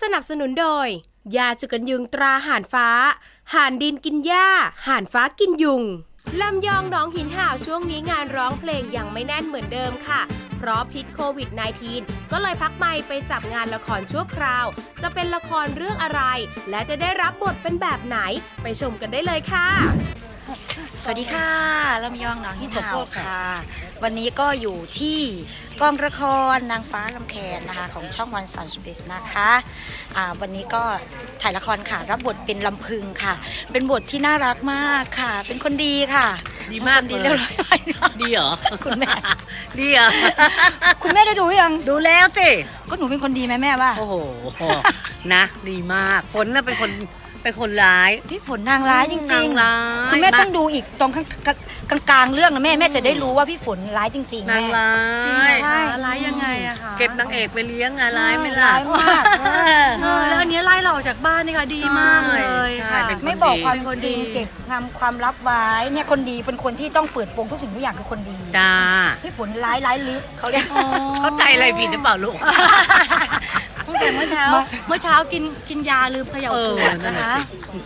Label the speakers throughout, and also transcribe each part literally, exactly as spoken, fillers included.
Speaker 1: สนับสนุนโดยยาจุกันยุงตราห่านฟ้าห่านดินกินหญ้าห่านฟ้ากินยุงลำยองหนองหินห่าวช่วงนี้งานร้องเพลงยังไม่แน่นเหมือนเดิมค่ะเพราะพิษโควิด สิบเก้า ก็เลยพักไมค์ไปจับงานละครชั่วคราวจะเป็นละครเรื่องอะไรและจะได้รับบทเป็นแบบไหนไปชมกันได้เลยค่ะ
Speaker 2: สวัสดีค่ะลำยองหนองหินห่าวค่ะวันนี้ก็อยู่ที่กองละครนางฟ้าลำแคนนะคะของช่องวันสามสิบเอ็ดนะคะอ่าวันนี้ก็ถ่ายละครค่ะรับบทเป็นลำพึงค่ะ เป็นบทที่น่ารักมากค่ะ เป็นคนดีค่ะ
Speaker 3: ดีมาก
Speaker 2: ดีเรียบร้อย
Speaker 3: ดีเหรอ
Speaker 2: คุณแม่
Speaker 3: ดีเหรอ
Speaker 2: คุณแม่ได้ดูยัง
Speaker 3: ดูแล้วสิ
Speaker 2: ก็หนูเป็นคนดีไหมแม่ว่า
Speaker 3: โอ้โหนะดีมากฝนน่ะเป็นคนเป็นคนร้าย
Speaker 2: พี่ฝนนางร้ายจริงๆ
Speaker 3: นางร้าย
Speaker 2: คุณแม่ต้องดูอีกตรงกลางกลางเรื่องนะแม่แม่จะได้รู้ว่าพี่ฝนร้ายจริงๆ
Speaker 3: นางร้าย
Speaker 2: ใช่
Speaker 4: ร้ายยังไงอะคะ
Speaker 3: เก็บนางเอกไปเลี้ยงอะร้ายไม่ล่ะ
Speaker 2: ร้ายมาก
Speaker 4: แล้วอันนี้ไล่เราออกจากบ้านนี่ค่ะดีมากเลยค่ะ
Speaker 2: ไม่บอกความจริงเก็บความความลับไว้เนี่ยคนดีเป็นคนที่ต้องเปิดโปงทุกสิ่งทุกอย่างคือคนดี
Speaker 3: จ้า
Speaker 2: พี่ฝนร้ายร้ายลึกเขาเรียก
Speaker 3: เข้าใจอะไรผิดหรือเปล่าลูก
Speaker 4: ตั้งแต่เมื่อเช้าเมื่อเช้ากินกินยาลืมเขย่าขวดนะคะ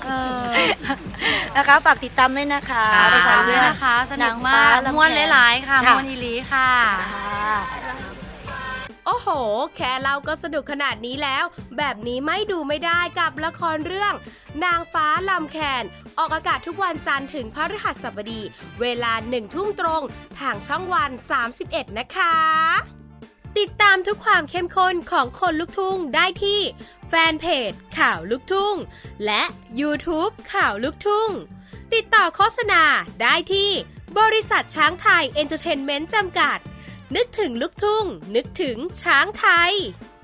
Speaker 2: นะคะฝากติดตามด้วยนะคะ
Speaker 4: ไปฟังด้วยนะคะสนุกมากม้วนหลายๆค่ะม้วนอีหลีค่ะ
Speaker 1: โอ้โหแค่เราก็สนุกขนาดนี้แล้วแบบนี้ไม่ดูไม่ได้กับละครเรื่องนางฟ้าลำแคนออกอากาศทุกวันจันทร์ถึงพฤหัสบดีเวลาหนึ่งทุ่มตรงทางช่องวันสามสิบเอ็ดนะคะติดตามทุกความเข้มข้นของคนลุกทุ่งได้ที่แฟนเพจข่าวลุกทุ่งและ YouTube ข่าวลุกทุ่งติดต่อโฆษณาได้ที่บริษัทช้างไทยเอนเตอร์เทนเมนต์จำกัดนึกถึงลุกทุ่งนึกถึงช้างไทย